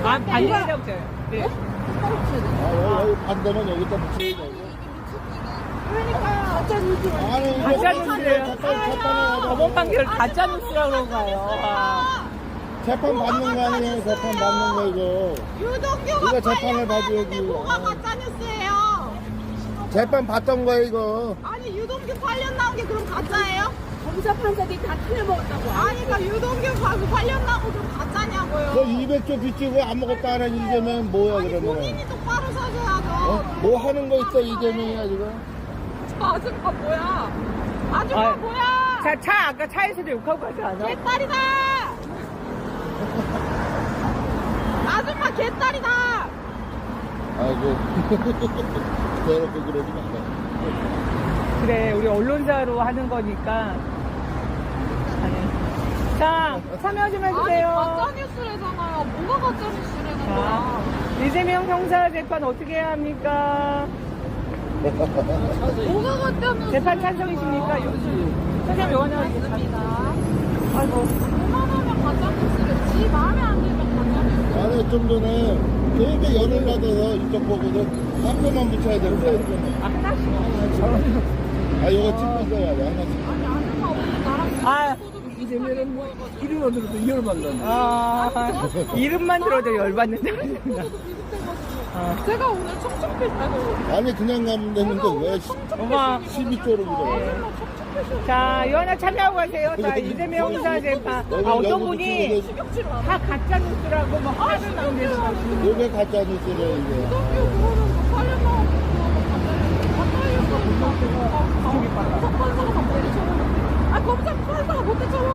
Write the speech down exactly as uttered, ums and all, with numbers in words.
아, 반대라고 요 네. 아, 여기 반대면 여기다 붙여야 돼. 그러니까요. 가짜 뉴스. 아니, 이거 가짜 뉴스예요. 재판, 재판에 법원 판결 가짜 뉴스라고 그런가요? 아. 재판 받는 거 아니에요? 재판 받는 거 이거. 유동규가 이거 재판을 관련 봐줘야지. 나왔는데 뭐가 가짜 뉴스예요? 재판 받던 거야 이거. 아니 유동규 관련 나온 게 그럼 가짜예요? 검사 판사들이 다 틀려먹었다고. 아니 그러니까 유동규 관- 관련 나온 거 그럼 가짜냐고요? 너 이백 조 빚지고 아무것도 안 하는 이재명 뭐야 아니 그러면? 본인이 똑바로 서줘야죠. 어? 뭐 하는 거 있어 이재명이야 지금? 저 아줌마 뭐야? 아줌마 아, 뭐야? 자, 차, 아까 차에서도 욕하고 가지 않아? 개딸이다! 아줌마 개딸이다! 아이고 대놓고 그러지 마. 그래, 우리 언론사로 하는 거니까. 아니. 자, 참여 좀 아니 해주세요. 가짜뉴스래잖아요. 뭐가 가짜뉴스라는 자, 거야? 이재명 형사 재판 어떻게 해야 합니까? 뭐가 가짜뉴스? 재판 찬성이십니까? 선생님, 요원님 하겠습니다. 아이고. 그만하면 가짜뉴스래. 지 마음에 안 들면 가짜뉴스. 아니 좀 전에 되게 열을 받아서 이쪽 보고도 깜짝만 붙여야 되는데. 아, 하나씩. 아 이거 찍고 있어야 돼 하나씩. 아니 아줌마 오늘 나랑 아, 이재명은 뭐 이름만 들어도 열받는다. 아, 이름만 들어도 열받는다. 어. 제가 오늘 청청필 아이고 아니 그냥 가면 되는데 왜 어머. 십이 조로 그래? 아줌마 청청필 자, 요하나 참여하고 가세요. 자, 이재명 형사 재판. 아, 어떤 분이 다 가짜 뉴스라고 막 화를 막 내서 가시는. 요게 가짜 뉴스래 이게. 유동규 그거는 뭐 관련 나온 거 가짜뉴스. 가짜뉴스. 검사 판사가 다 못했잖아. 아 검사 판사가 못했잖아.